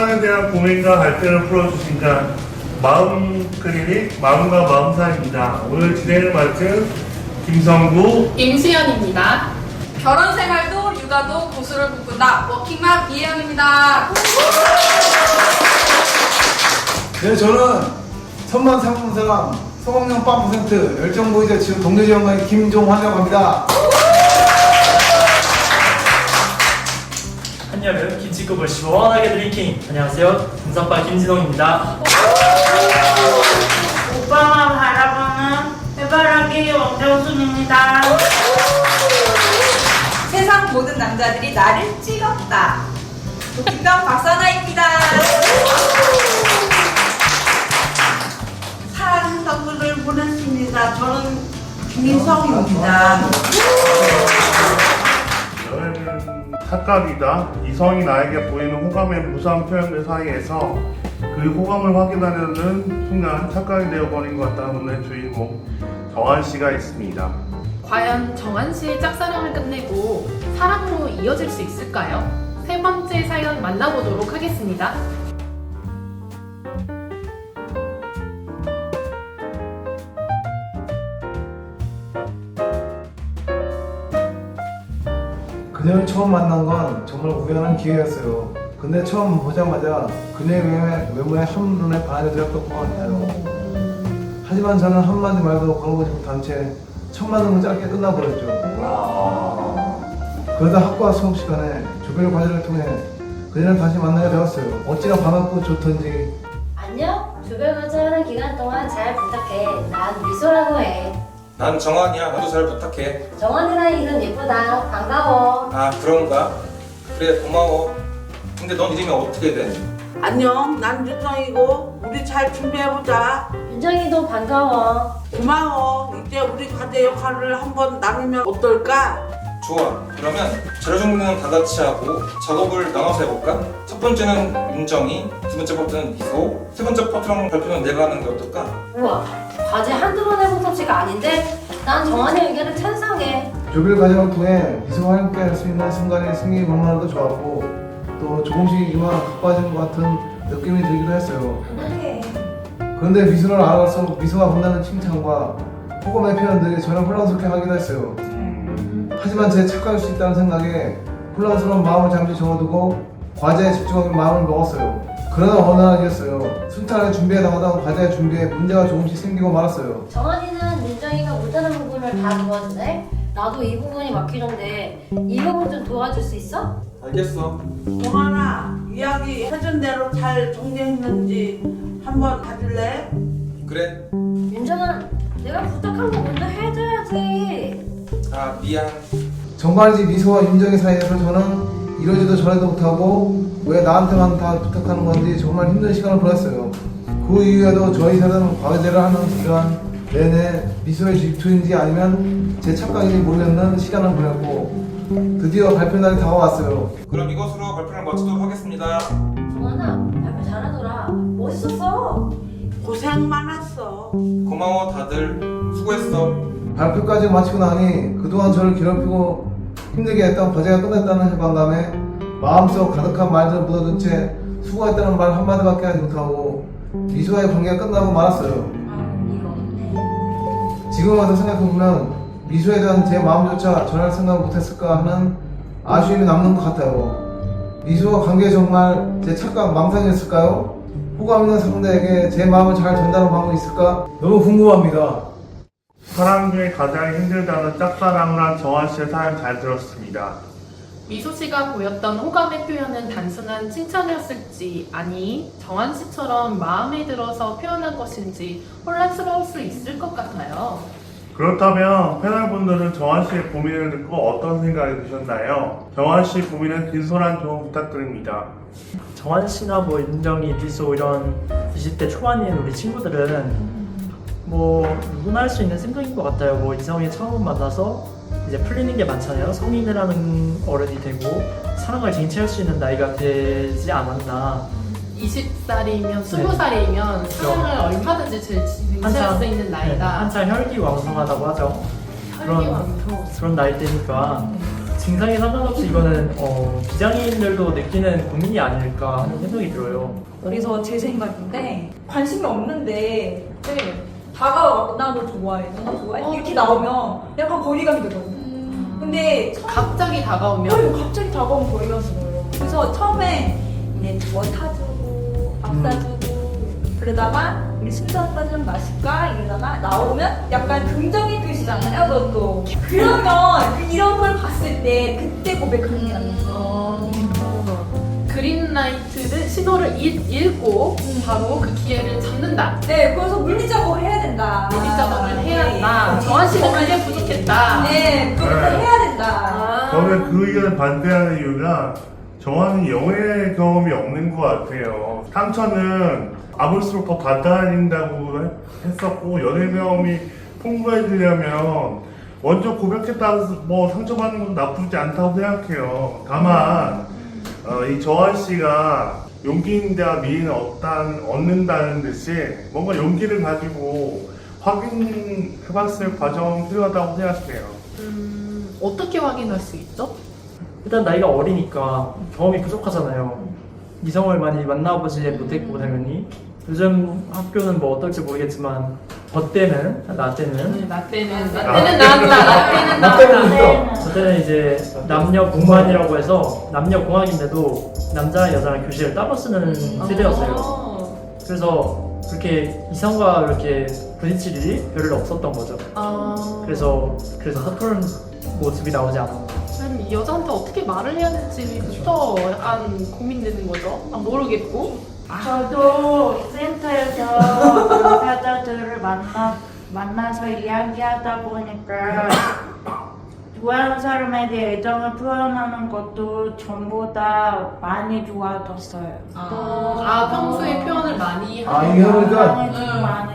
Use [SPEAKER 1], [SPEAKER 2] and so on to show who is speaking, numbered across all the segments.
[SPEAKER 1] 사랑에 대한 고민과 갈등을 풀어주신다. 마음 클리닉 마음과 마음사입니다. 오늘 진행을 맡은 김성구,
[SPEAKER 2] 임수연입니다.
[SPEAKER 3] 결혼 생활도 육아도 고수를 꿈꾼다. 워킹맘 이혜영입니다.
[SPEAKER 4] 네, 저는 천만 상품사랑 성공률 빵 % 열정보이자 지금 동료지원관의 김종환이라고 합니다.
[SPEAKER 5] 한여름 김치국을 시원하게 드링킹. 안녕하세요, 김선빠 김진홍입니다.
[SPEAKER 6] 오빠만 바라보는 해바라기 원정순입니다.
[SPEAKER 3] 세상 모든 남자들이 나를 찍었다. 김병 박선아입니다.
[SPEAKER 6] 사랑하는 선물을 보냈습니다. 저는 김인성입니다.
[SPEAKER 1] 연애는 착각이다. 이성이 나에게 보이는 호감의 무상 표현들 사이에서 그 호감을 확인하려는 순간 착각이 되어버린 것 같다는 오늘 주인공 정한씨가 있습니다.
[SPEAKER 2] 과연 정한 씨의 짝사랑을 끝내고 사랑으로 이어질 수 있을까요? 세 번째 사연 만나보도록 하겠습니다.
[SPEAKER 4] 그녀를 처음 만난 건 정말 우연한 기회였어요. 근데 처음 보자마자 그녀의 외모에 한눈에 반하게 되었던 것 같아요. 하지만 저는 한마디 말도 걸어보지 못한 채 첫 만남은 짧게 끝나버렸죠. 그러다 학과 수업 시간에 조별 과제를 통해 그녀를 다시 만나게 되었어요. 어찌나 반갑고 좋던지.
[SPEAKER 7] 안녕? 조별과제 하는 기간 동안 잘 부탁해. 난 미소라고 해.
[SPEAKER 8] 난 정환이야. 너도 잘 부탁해.
[SPEAKER 7] 정원이라는 이름 예쁘다. 반가워.
[SPEAKER 8] 아, 그런가? 그래, 고마워. 근데 넌 이름이 어떻게 돼?
[SPEAKER 6] 안녕, 난 윤정이고 우리 잘 준비해보자.
[SPEAKER 7] 윤정이도 반가워.
[SPEAKER 6] 고마워. 이제 우리 과제 역할을 한번 나누면 어떨까?
[SPEAKER 8] 좋아. 그러면 자료 정리는 다 같이 하고 작업을 나눠서 해볼까? 첫 번째는 윤정이, 두 번째 파트는 미소, 세 번째 파트랑 발표는 내가 하는 게 어떨까?
[SPEAKER 7] 우와, 과제 한두 번 해본 솜씨가 아닌데? 난 정원이 의견을 찬성해.
[SPEAKER 4] 조별 과정을 통해 미소와 함께 할 수 있는 순간이 생기기 너무나도 좋았고 또 조금씩이지만 가까워진 것 같은 느낌이 들기도 했어요. 그런데 미소를 알아갈수록 미소가 본다는 칭찬과 호감의 표현들이 저를 혼란스럽게 하기도 했어요. 하지만 제 착각일 수 있다는 생각에 혼란스러운 마음을 잠시 접어두고 과제에 집중하기로 마음을 먹었어요. 그러나 어느 날이었어요. 순탄하게 준비해 나가던 과제 준비에 문제가 조금씩 생기고 말았어요.
[SPEAKER 7] 정원이는 윤정이가 못하는 부분을 다 도와주네? 나도 이 부분이 막히던데 이 부분 좀 도와줄 수 있어?
[SPEAKER 8] 알겠어.
[SPEAKER 6] 동환아, 이야기 해준 대로 잘 정리했는지 한번 봐줄래?
[SPEAKER 8] 그래.
[SPEAKER 7] 윤정아, 내가 부탁한 거 먼저 해줘야지.
[SPEAKER 8] 아, 미안.
[SPEAKER 4] 정말이지 미소와 윤정의 사이에서 저는 이러지도 저러지도 못하고 왜 나한테만 다 부탁하는 건지 정말 힘든 시간을 보냈어요. 그 이후에도 저희 사는 과제를 하는 기간 내내 미소의 질투인지 아니면 제 착각인지 모르겠는 시간을 보냈고 드디어 발표 날이 다가왔어요.
[SPEAKER 8] 그럼 이것으로 발표를 마치도록 하겠습니다.
[SPEAKER 7] 정원아, 발표 잘하더라. 멋있었어.
[SPEAKER 6] 고생 많았어.
[SPEAKER 8] 고마워, 다들. 수고했어.
[SPEAKER 4] 발표까지 마치고 나니 그동안 저를 괴롭히고 힘들게 했던 과제가 끝났다는 해방감에 마음속 가득한 말들을 묻어둔 채 수고했다는 말 한마디밖에 하지 못하고 미소와의 관계가 끝나고 말았어요. 지금 와서 생각해보면 미소에 대한 제 마음조차 전할 생각을 못했을까 하는 아쉬움이 남는 것 같아요. 미소와 관계 정말 제 착각 망상이었을까요? 호감 있는 상대에게 제 마음을 잘 전달하는 방법이 있을까? 너무 궁금합니다.
[SPEAKER 1] 사랑 중에 가장 힘들다는 짝사랑을 한 정한씨의 사연 잘 들었습니다.
[SPEAKER 2] 미소 씨가 보였던 호감의 표현은 단순한 칭찬이었을지, 아니 정한 씨처럼 마음에 들어서 표현한 것인지 혼란스러울 수 있을 것 같아요.
[SPEAKER 1] 그렇다면 패널분들은 정한씨의 고민을 듣고 어떤 생각이 드셨나요? 정한씨 고민은 진솔한 조언 부탁드립니다.
[SPEAKER 5] 정한 씨나 뭐 윤정이, 미소 이런 20대 초반인 우리 친구들은 뭐 누구나 할 수 있는 생각인 것 같아요. 뭐 이성이 처음 만나서 이제 풀리는 게 많잖아요. 성인이라는 어른이 되고 사랑을 쟁취할 수 있는 나이가 되지 않았나.
[SPEAKER 2] 20살이면 20살이면 사랑을 얼마든지 쟁취할 수 있는 나이다.
[SPEAKER 5] 한창 혈기왕성하다고 하죠.
[SPEAKER 2] 혈기왕성.
[SPEAKER 5] 그런 나이 때니까 증상에 상관없이 이거는 비장애인들도 느끼는 고민이 아닐까 하는 생각이 들어요.
[SPEAKER 9] 그래서 제 생각인데 관심이 없는데
[SPEAKER 2] 네.
[SPEAKER 9] 다가와서 나도 좋아해, 나도 좋아해 이렇게 나오면 약간 거리감이 되거든요. 근데
[SPEAKER 2] 갑자기 다가오면
[SPEAKER 9] 갑자기 다가오면 거리감이 들어요. 그래서 처음에 이제 뭐 타주고 밥 사주고 그러다가 우리 술한 잔 좀 마실까 이러다가 나오면 약간 긍정이 되시잖아요, 그것도. 그러면 이런 걸 봤을 때 그때 고백하는 게 낫죠.
[SPEAKER 2] 그린라이트는 신호를 읽고 바로 그 기회를 잡는다.
[SPEAKER 9] 네, 그래서 물리작업을 해야 된다.
[SPEAKER 2] 물리작업을 해야 한다. 정한 씨는 그게 부족했다.
[SPEAKER 9] 네, 그렇게
[SPEAKER 1] 네.
[SPEAKER 9] 해야 된다.
[SPEAKER 1] 저는 그 의견을 반대하는 이유가 저와는 연애 경험이 없는 것 같아요. 상처는 아물수록 더 받아들인다고 했었고 연애 경험이 풍부해지려면 먼저 고백했다고 뭐 상처받는 것도 나쁘지 않다고 생각해요. 다만 이 정한 씨가 용기인자 미인을 얻는다는 듯이 뭔가 용기를 가지고 확인해봤을 과정이 필요하다고 생각해요.
[SPEAKER 2] 어떻게 확인할 수 있죠?
[SPEAKER 5] 일단 나이가 어리니까 경험이 부족하잖아요. 이성을 많이 만나보지 못했고 당연히 요즘 학교는 뭐 어떨지 모르겠지만 나 때는
[SPEAKER 2] 나 때는
[SPEAKER 1] 아.
[SPEAKER 2] 나한다.
[SPEAKER 4] 나 때문에 있어.
[SPEAKER 5] 저 때는 이제 남녀 공관이라고 해서 남녀 공학인데도 남자랑 여자랑 교실을 따로 쓰는 세대였어요. 그래서 그렇게 이성과 이렇게 부딪힐 일이 별로 없었던 거죠. 그래서 서투른 모습이 나오지 않았나.
[SPEAKER 2] 그럼 이 여자한테 어떻게 말을 해야 될지부터 약간 고민되는 거죠. 모르겠고.
[SPEAKER 10] 저도 센터에서 당사자들을 만나서 이야기하다 보니까 좋아하는 사람에 대해 애정을 표현하는 것도 전보다 많이 좋아졌어요.
[SPEAKER 2] 평소에 표현을 많이
[SPEAKER 4] 아, 이게 그러니까
[SPEAKER 10] 많이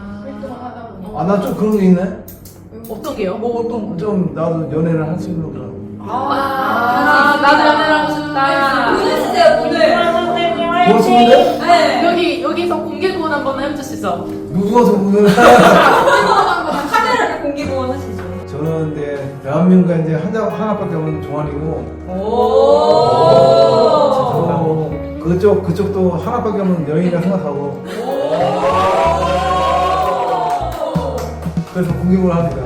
[SPEAKER 4] 나 좀 그런 게 있네.
[SPEAKER 2] 어떤 게요?
[SPEAKER 4] 좀 나도 연애를 할 수 있는 그런.
[SPEAKER 2] 나도 연애를 하고 싶다.
[SPEAKER 9] 보내주세요, 오늘.
[SPEAKER 4] 고맙습니다.
[SPEAKER 9] 네.
[SPEAKER 2] 여기서 공개 구원 한번 해주시죠.
[SPEAKER 4] 누구가 보면
[SPEAKER 9] 카메라를 공개 구원하시죠.
[SPEAKER 4] 저는 이제 대한민국에 이제 하나밖에 없는 종아리고 그쪽도 하나밖에 없는 여인이라 생각하고 그래서 공격을 합니다.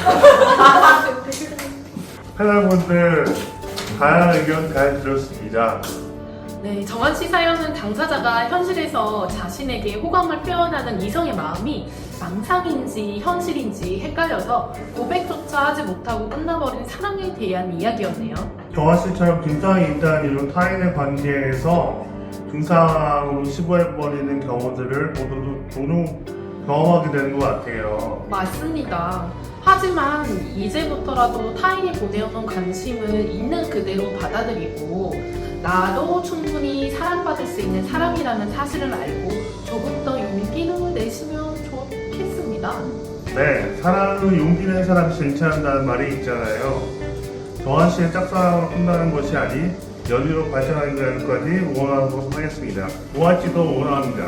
[SPEAKER 1] 패널분들 다양한 의견 잘 들었습니다.
[SPEAKER 2] 네, 정한 씨 사연은 당사자가 현실에서 자신에게 호감을 표현하는 이성의 마음이 망상인지 현실인지 헷갈려서 고백조차 하지 못하고 끝나버린 사랑에 대한 이야기였네요.
[SPEAKER 1] 정한 씨처럼 증상이 있다는 이유로 타인의 관계에서 증상으로 치부해버리는 경우들을 모두 종종 경험하게 되는 것 같아요.
[SPEAKER 2] 맞습니다. 하지만 이제부터라도 타인이 보내오는 관심을 있는 그대로 받아들이고 나도 충분히 사랑받을 수 있는 사람이라는 사실을 알고 조금 더 용기를 내시면 좋겠습니다.
[SPEAKER 1] 네, 사랑은 용기 낸 사람이 쟁취한다는 말이 있잖아요. 정한 씨의 짝사랑으로 끝나는 것이 아닌 연인으로 발전하는 데까지 응원하도록 하겠습니다. 정한 씨도 응원합니다.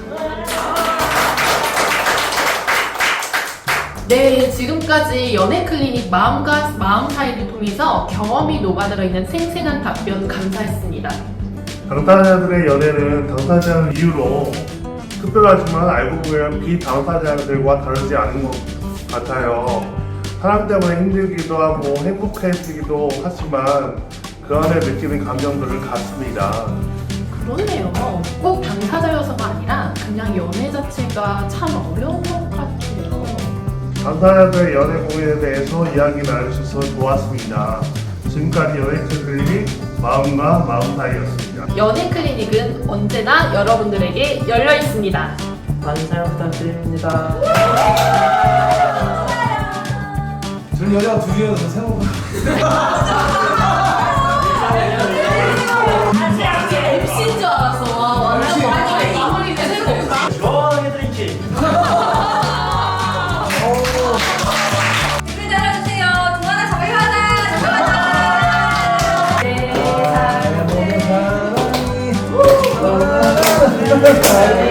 [SPEAKER 2] 네, 지금까지 연애클리닉 마음과 마음 사이를 통해서 경험이 녹아들어 있는 생생한 답변 감사했습니다.
[SPEAKER 1] 당사자들의 연애는 당사자의 이유로 특별하지만 알고 보면 비당사자들과 다르지 않은 것 같아요. 사람 때문에 힘들기도 하고 행복해지기도 하지만 그 안에 느끼는 감정들을 같습니다.
[SPEAKER 2] 그렇네요. 꼭 당사자여서가 아니라 그냥 연애 자체가 참 어려운 것 같아요.
[SPEAKER 1] 당사자들의 연애 고민에 대해서 이야기 나누셔서 좋았습니다. 지금까지 연애클리닉 마음과 마음 사이였습니다.
[SPEAKER 2] 연애클리닉은 언제나 여러분들에게 열려 있습니다.
[SPEAKER 5] 많은 사랑 부탁드립니다.
[SPEAKER 4] 저는 여자가 둘이어서 생각보다
[SPEAKER 2] MC인 줄 알았어. 완전 아무리 내세고.
[SPEAKER 5] 시원하게 드링킹.
[SPEAKER 3] 댓글 달아주세요. 동아나 저희 하나.
[SPEAKER 4] 사랑이